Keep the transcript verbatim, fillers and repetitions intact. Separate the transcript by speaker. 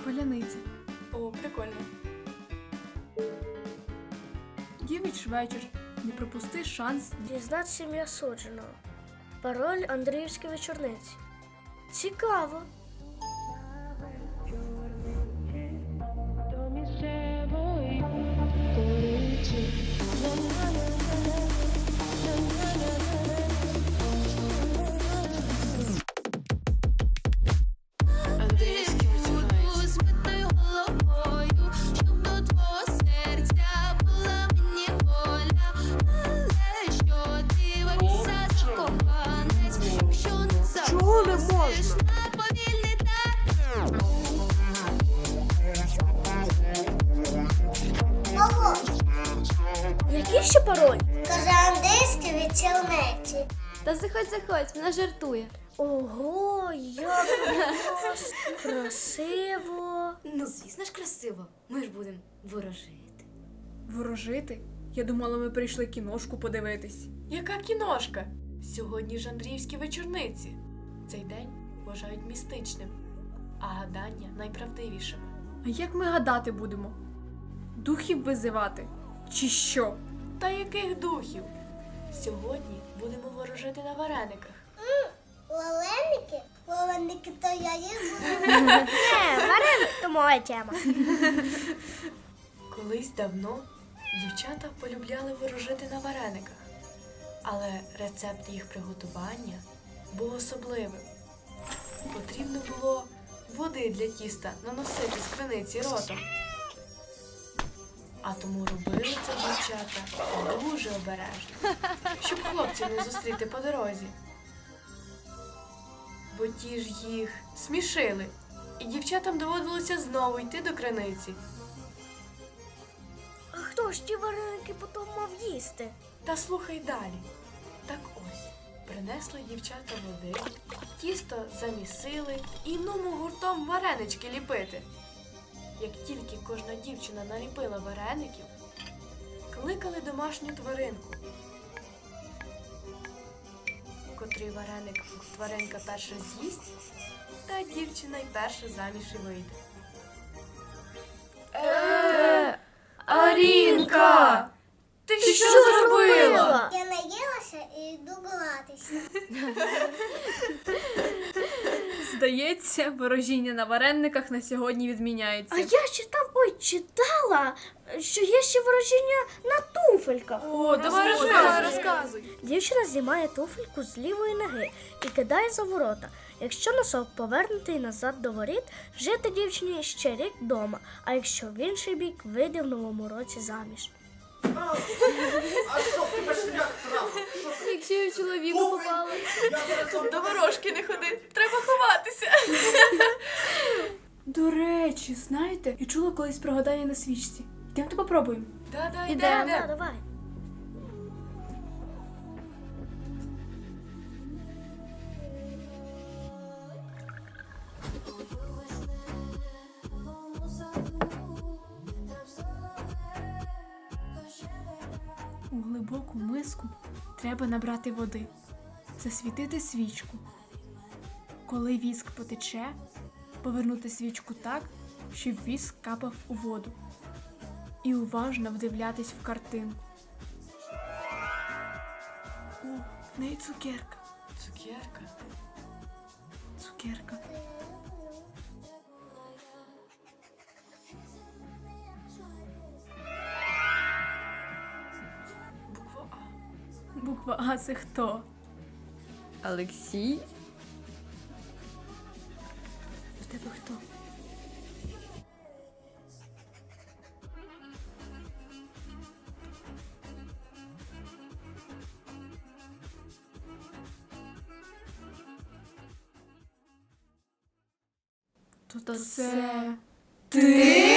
Speaker 1: Паляниця.
Speaker 2: О, прикольно.
Speaker 1: Дівич вечір. Не пропусти шанс.
Speaker 3: Дізнатися ім'я судженого. Пароль Андріївській вечорниці. Цікаво.
Speaker 2: Андрійський вечорниць.
Speaker 3: Чого не можна?
Speaker 4: Ого,
Speaker 3: Який ще пароль?
Speaker 4: каже Андрійській вечорниці.
Speaker 5: Та заходь, заходь, вона жартує.
Speaker 3: Ого, як клас, красиво.
Speaker 5: Ну, звісно ж, красиво. Ми ж будемо ворожити.
Speaker 1: Ворожити? Я думала, ми прийшли кіношку подивитись.
Speaker 2: Яка кіношка? Сьогодні ж Андріївські вечорниці. Цей день вважають містичним, а гадання найправдивішими.
Speaker 1: А як ми гадати будемо? Духів визивати? Чи що?
Speaker 2: Та яких духів? Сьогодні будемо ворожити на варениках.
Speaker 4: Валеники? Валеники то я їм буду.
Speaker 3: Не, вареник то моя тема.
Speaker 2: Колись давно дівчата полюбляли ворожити на варениках, але рецепт їх приготування був особливим. Потрібно було води для тіста наносити з криниці ротом. А тому робили це дівчата дуже обережно, щоб хлопців не зустріти по дорозі. Бо ті ж їх смішили, і дівчатам доводилося знову йти до криниці.
Speaker 3: А хто ж ті вареники потім мав їсти?
Speaker 2: Та слухай далі. Так ось, принесли дівчата води, тісто замісили і нумо гуртом варенички ліпити. Як тільки кожна дівчина наліпила вареників, кликали домашню тваринку. Котрий вареник тваринка перша з'їсть, та дівчина й перша заміж і вийде.
Speaker 1: Е, Арінка! Ти що зробила?
Speaker 4: Я наїлася і йду гратися.
Speaker 1: Здається, ворожіння на варениках на сьогодні відміняється.
Speaker 3: А я читав, ой, читала, що є ще ворожіння на туфельках.
Speaker 1: О, давай
Speaker 2: Розкажи,
Speaker 1: розказуй.
Speaker 2: розказуй.
Speaker 3: Дівчина знімає туфельку з лівої ноги і кидає за ворота. Якщо носок повернутий назад до воріт, жити дівчині ще рік вдома, а якщо в інший бік, вийде в новому році заміж.
Speaker 6: А що в тебе шлях трапив?
Speaker 5: Якщо я в чоловіка попала.
Speaker 6: Я зараз вам
Speaker 2: До ворожки не ходи, треба ховатися.
Speaker 1: До речі, знаєте, я чула колись про гадання на свічці. Йдемте попробуємо.
Speaker 2: Да-да,
Speaker 5: Ідемо.
Speaker 2: йдемо.
Speaker 3: Да, давай.
Speaker 1: У глибоку миску треба набрати води, засвітити свічку. Коли віск потече, повернути свічку так, щоб віск капав у воду. І уважно вдивлятись в картинку. О, в неї цукерка.
Speaker 2: Цукерка.
Speaker 1: Цукерка.
Speaker 2: Буква А.
Speaker 1: Буква А це хто?
Speaker 5: Олексій?
Speaker 1: В тебе хто? То
Speaker 5: То
Speaker 1: це...
Speaker 5: це
Speaker 1: Ти?